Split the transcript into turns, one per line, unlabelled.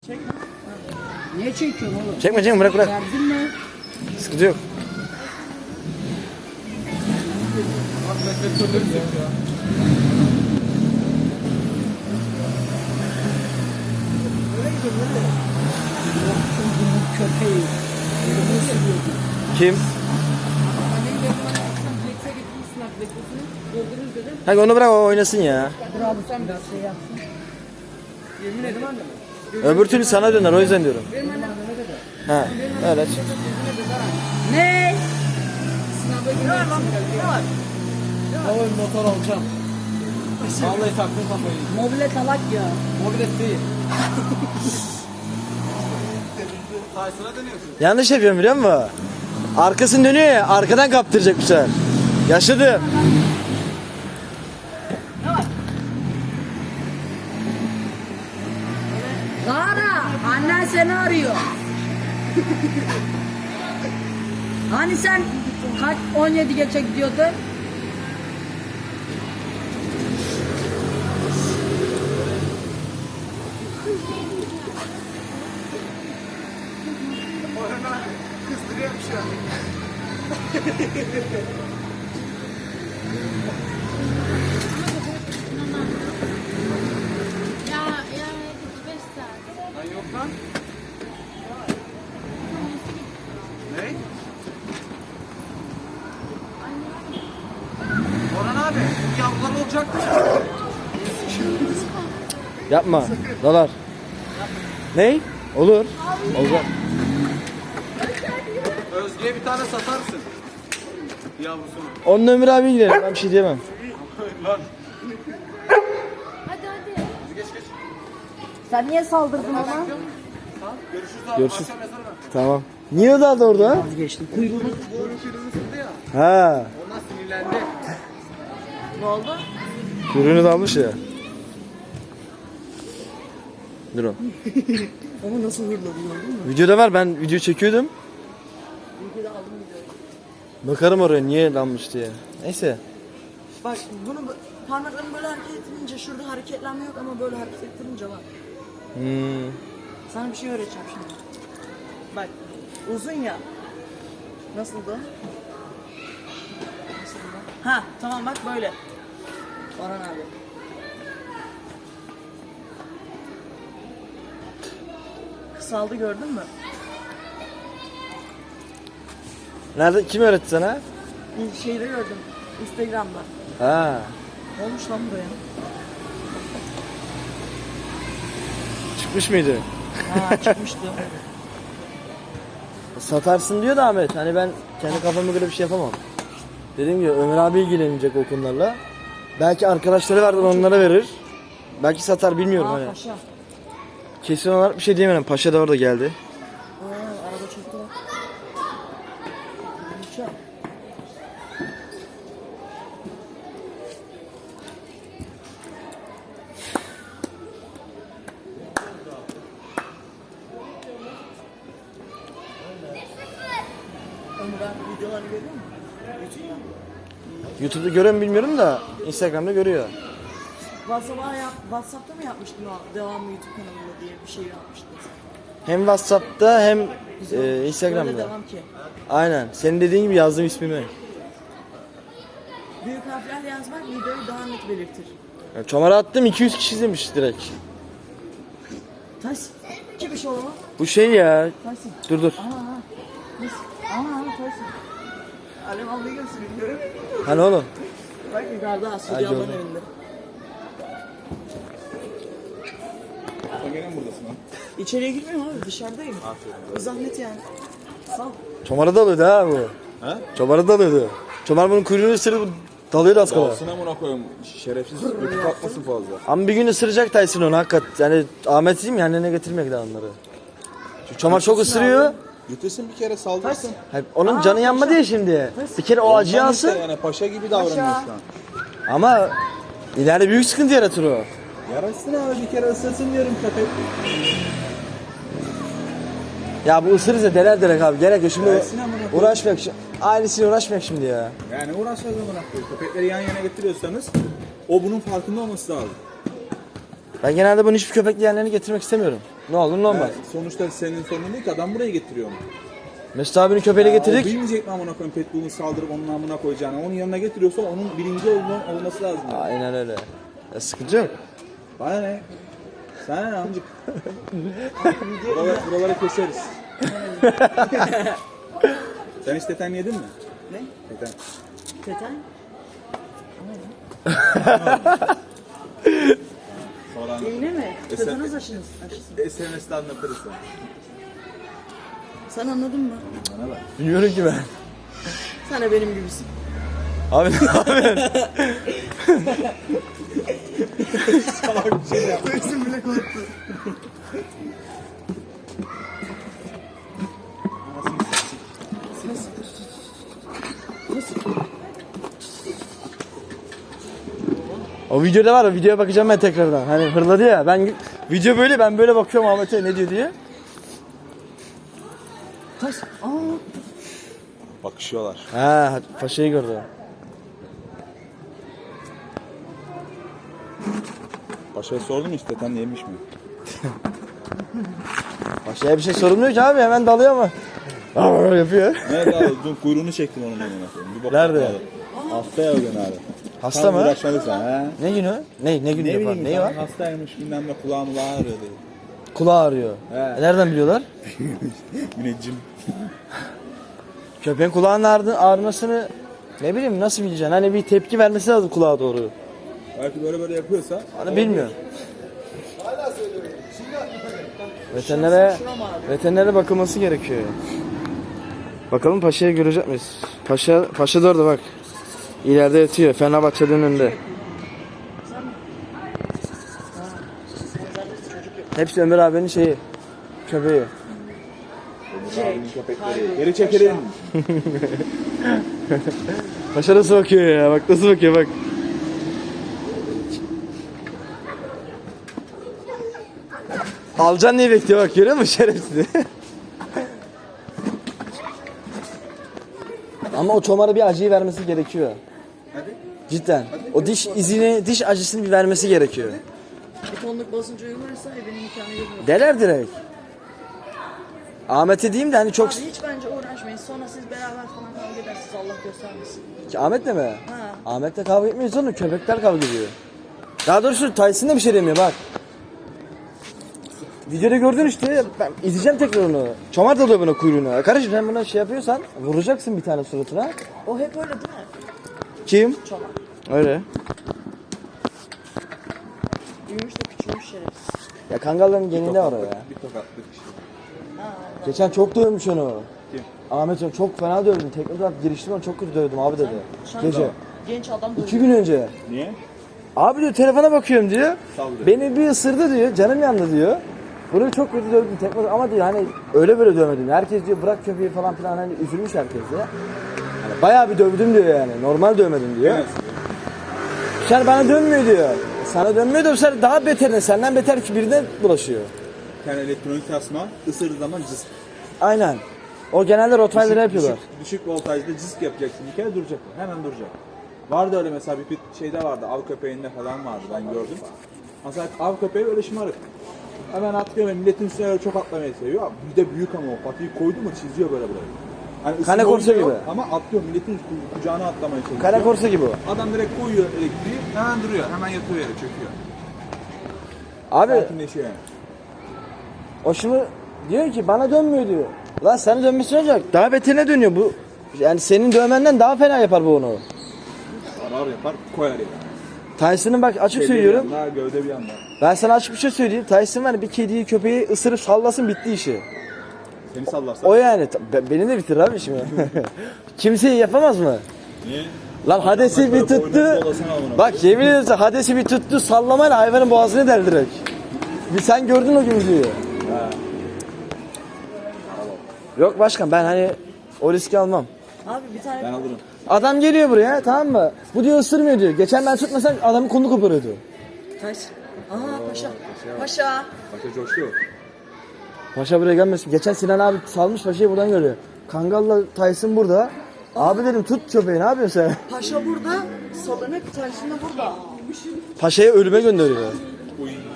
Niye çekiyorsun oğlum?
Çekme bırak.
Derdin mi?
Sıkıntı yok.
Köpeği.
Kim?
Annem de bana akşam Black'e gitmişsin Black'ini. Doldururuz dedim.
Hadi onu bırak, o oynasın ya.
Dur abi sen biraz şey yapsın. Yemin ederim anne.
Öbür türlü sana döner, o yüzden diyorum.
Benim annem
Ha, öyle.
ne? Sınava girersin.
Oğlum motor alacağım. Vallahi taktım kafayı.
Mobilet alak ya.
Mobilet değil. Tyson'a dönüyorsun.
Yanlış yapıyorum biliyor musun? Arkasını dönüyor ya, arkadan kaptıracak bu sefer. Yaşadım.
Zara, annen seni arıyor. Hani sen kaç 17 geçe gidiyordun?
Kızdırıyorum şu an.
Ya 45 saat.
Lan yok lan. Ne? Orhan abi, yavrular olacaktı.
Yapma. Dolar. Ney? Olur. Olacak.
Özge'ye bir tane satarsın. Yavrusunu.
Onun Ömür abi gidelim. Ben bir şey diyemem.
Lan.
Hadi.
Geç.
Sen niye saldırdın ona?
Görüşürüz abi.
Görüşürüz.
Akşam yazarım ben.
Tamam. Niye o da orada?
Vazgeçtim. Kuyruğunu.
Bu oyun kırmızı sıktı ya.
Ha.
Ondan sinirlendi.
Ne oldu?
Kuyruğunu da almış ya. Dur o.
Onu nasıl hırladı gördün mü?
Videoda var, ben video çekiyordum.
Videoda aldım videoyu.
Bakarım oraya niye lanmış diye. Neyse.
Bak bunu parmaklarını böyle hareket ettirince şurada hareketlenme yok ama böyle hareket ettirince var. Sana bir şey öğreteceğim şimdi. Bak uzun ya. Nasıldı? Ha tamam bak böyle. Orhan abi. Kısaldı gördün mü?
Nerede? Kim öğretti sana?
Bir şeyde gördüm. Instagram'da.
Ha.
Ne olmuş lan buraya?
Çıkmış mıydı?
Ha çıkmıştı.
Satarsın diyor da Ahmet. Hani ben kendi kafama göre bir şey yapamam. Dediğim gibi Ömer abi ilgilenecek o konularla. Belki arkadaşları vardır, onlara verir. Belki satar, bilmiyorum hani.
Paşa.
Kesin olarak bir şey diyemem. Paşa da orada geldi.
Araba çekti. Paşa. Ömür abi videolarını görüyor musun? YouTube'da.
YouTube'da görüyor mu bilmiyorum da Instagram'da görüyor.
WhatsApp'ta mı yapmıştın o devamlı YouTube kanalında diye bir şey yapmıştın sen?
Hem WhatsApp'ta hem
Böyle
Instagram'da.
devam ki.
Aynen. Senin dediğin gibi yazdım ismimi.
Büyük harflerle yazmak videoyu daha net belirtir.
Yani çomara attım, 200 kişi izlemiş direkt.
Tyson. Kim iş oğlum?
Bu şey ya.
Tyson.
Dur.
Aha. Biz. Aha Tyson. Alem ablayı gösteriyor.
Hani oğlum.
Bak yukarıda Aslı
Hadi
ablanın
oğlum.
evinde.
Sen gene mi buradasın lan?
İçeriye girmiyorum abi dışarıdayım. Bu zahmet yani. Sağ ol.
Çomara dalıyordu ha bu.
He?
Çomara dalıyordu. Çomar bunun kuyruğunu ısırıp dalıyordu az kala.
Dalsın amına koyayım. Şerefsiz öpüp atmasın fazla.
Ama bir gün ısıracak Tyson onu hakikat. Yani Ahmet diyeyim ya, annene getirmek daha onları. Çünkü çomar çok ısırıyor.
Götürsün bir kere saldırsın.
Hayır, onun canı yanmadı ya şimdi. Bir kere o acıyı
Ondan işte
alsın.
yani paşa gibi davranıyor şu an.
Ama ileride büyük sıkıntı yaratır o.
Yarasın abi bir kere ısırsın diyorum köpek.
Ya bu ısırırsa deler direkt abi. Gerek yok şimdi,
Gelsin amına koyayım.
uğraşmayak. Ailesiyle uğraşmayak şimdi ya.
Yani uğraşacağız amına koyayım. Köpekleri yan yana getiriyorsanız o bunun farkında olması lazım.
Ben genelde bunu hiçbir köpekli yerlerini getirmek istemiyorum. Ne olur ne olmaz.
Sonuçta senin sorunun değil ki adam buraya getiriyor onu.
Mesut abinin köpeğini
O
getirdik.
bilmeyecek mi amına koyayım Pitbull'un saldırıp onun amına koyacağını. Onun yanına getiriyorsa onun birinci olması lazım.
Aynen öyle. Sıkıntı yok.
Bana ne? Sana ne amcık? Buraları keseriz. Sen hiç teten yedin mi?
Ne?
Teten.
Teten?
Sonra
İğne mi?
Eser-
Tetanus aşısı.
SMS'de anlatırız sana.
Sen anladın mı?
Bana bak.
Bilmiyorum ki ben.
Sen de benim gibisin.
Abi ne yapıyorsun?
Kızım bile korktu.
O videoda var, o videoya bakacağım ben tekrardan. Hani hırladı ya, video böyle, ben böyle bakıyorum Ahmet'e ne diyor diye.
Taş. Aa.
Bakışıyorlar.
Ha, paşayı gördü.
Paşa'ya sordum hiç teten yemiş mi?
Paşaya bir şey sorulmuyor ki abi, hemen dalıyor ama. Aa, yapıyor.
Nerede abi? Dün kuyruğunu çektim onun amına koyayım. Bir bak
Nerede?
abi. Hasta ya o gün abi.
Hasta
Tam
mı?
uğraşmadı sen ha.
Ne günü? Ne günü
Ne
yapar?
bileyim
Neyi var?
hastaymış bilmem ne kulağım ağrıyor dedi.
Kulağı ağrıyor.
He.
Nereden biliyorlar?
Müneccim.
Köpeğin kulağının ağrımasını ne bileyim nasıl bileceksin? Hani bir tepki vermesi lazım kulağa doğru.
Belki böyle yapıyorsa.
Hani bilmiyorum. Veterinere bakılması gerekiyor. Bakalım Paşa'yı görecek miyiz? Paşa da orada bak. İleride yatıyor. Fenerbahçe'nin önünde. Hepsi Ömer abinin şeyi. Köpeği.
Abinin köpekleri. Geri çekilin.
Paşa nasıl bakıyor ya? Bak nasıl bakıyor bak. Alcan diye bekliyor bak, görüyor musun şerefsiz? Ama o çomara bir acıyı vermesi gerekiyor.
Hadi.
Cidden. O diş acısını bir vermesi gerekiyor.
Bir tonluk basınca uygularsa benim imkanı yok.
Deler direkt. Ahmet'e diyeyim de hani çok...
Abi hiç bence uğraşmayın. Sonra siz beraber falan kavga edersiniz. Allah göstermesin.
Ahmet'le mi?
Ha.
Ahmet'le kavga etmiyoruz oğlum. Köpekler kavga ediyor. Daha doğrusu Tyson da bir şey demiyor bak. Videoda gördün işte. Ben izleyeceğim tekrar onu. Çomar dalıyor buna kuyruğuna. Kardeşim sen buna şey yapıyorsan vuracaksın bir tane suratına.
O hep öyle değil mi?
Kim?
Çomak.
Öyle.
Büyümüş de küçülmüş şerefsiz.
Ya kangalların geninde var o ya.
Bir tokatlık işte.
Geçen çok dövmüş onu.
Kim?
Ahmet onu çok fena dövdüm. Teknik giriştim onu çok kötü dövdüm abi dedi. Gece.
Genç adam da
2 gün önce.
Niye?
Abi diyor telefona bakıyorum diyor.
Saldırıyor.
Beni bir ısırdı diyor. Canım yandı diyor. Bunu çok kötü dövdüm tekme ama diyor hani öyle böyle dövmedim. Herkes diyor bırak köpeği falan filan hani üzülmüş herkes de. Hani bayağı bir dövdüm diyor yani. Normal dövmedim diyor.
Evet.
Sen bana dönmüyor diyor. Sana dönmüyor da bu sefer daha beterine senden beter ki birine bulaşıyor.
Bir tane elektronik tasma ısırdığı zaman cısk.
Aynen. O genelde Rottweiler'ı yapıyorlar.
Düşük voltajda cısk yapacaksın. Bir kere duracak. Hemen duracak. Vardı öyle mesela bir şeyde vardı. Av köpeğinde falan vardı ben gördüm. Mesela av köpeği öyle şımarık. Hemen atlıyor ve milletin üstüne öyle çok atlamayı seviyor. Bir de büyük ama o patiyi koydu mu çiziyor böyle burayı. Hani
Kane
ısınma
korsa
oyunu yok
gibi.
ama atlıyor milletin kucağına atlamaya çalışıyor.
Kara korsa gibi o.
Adam direkt koyuyor elektriği hemen duruyor. Hemen yatıyor yere çöküyor.
Abi
Sakinleşiyor yani.
o şimdi diyor ki bana dönmüyor diyor. Lan senin dönmesi olacak. Daha beterine dönüyor bu. Yani senin dövmenden daha fena yapar bu onu.
Arar yapar koyar yani.
Tyson'ın bak açık
Kedi
söylüyorum.
bir yanda, gövde bir yanda.
Ben sana açık bir şey söyleyeyim. Tyson var ya, bir kediyi köpeği ısırıp sallasın bitti işi.
Seni sallarsa.
O yani. Beni de bitir abi şimdi. Kimseyi yapamaz mı?
Niye?
Lan Hades'i bir
Boynunu
tuttu.
dolasana amına.
Bak yemin ederim sana, Hades'i bir tuttu sallamayla hayvanın boğazını deldirek. Bir sen gördün o gün videoyu. Yok başkan ben hani o riski almam.
Abi bir tane
Ben alırım.
Adam geliyor buraya tamam mı? Bu diyor ısırmıyor diyor. Geçen ben tutmasam adamın kolunu koparıyordu.
taş. Aha paşa. Paşa.
Paşa coşuyor.
Paşa buraya gelmesin. Geçen Sinan abi salmış paşayı buradan görüyor. Kangal'la Tyson burada. Abi dedim tut köpeği ne yapıyorsun sen?
Paşa burada. Salınık Tyson da burada.
Paşa'yı ölüme gönderiyor.
Uy.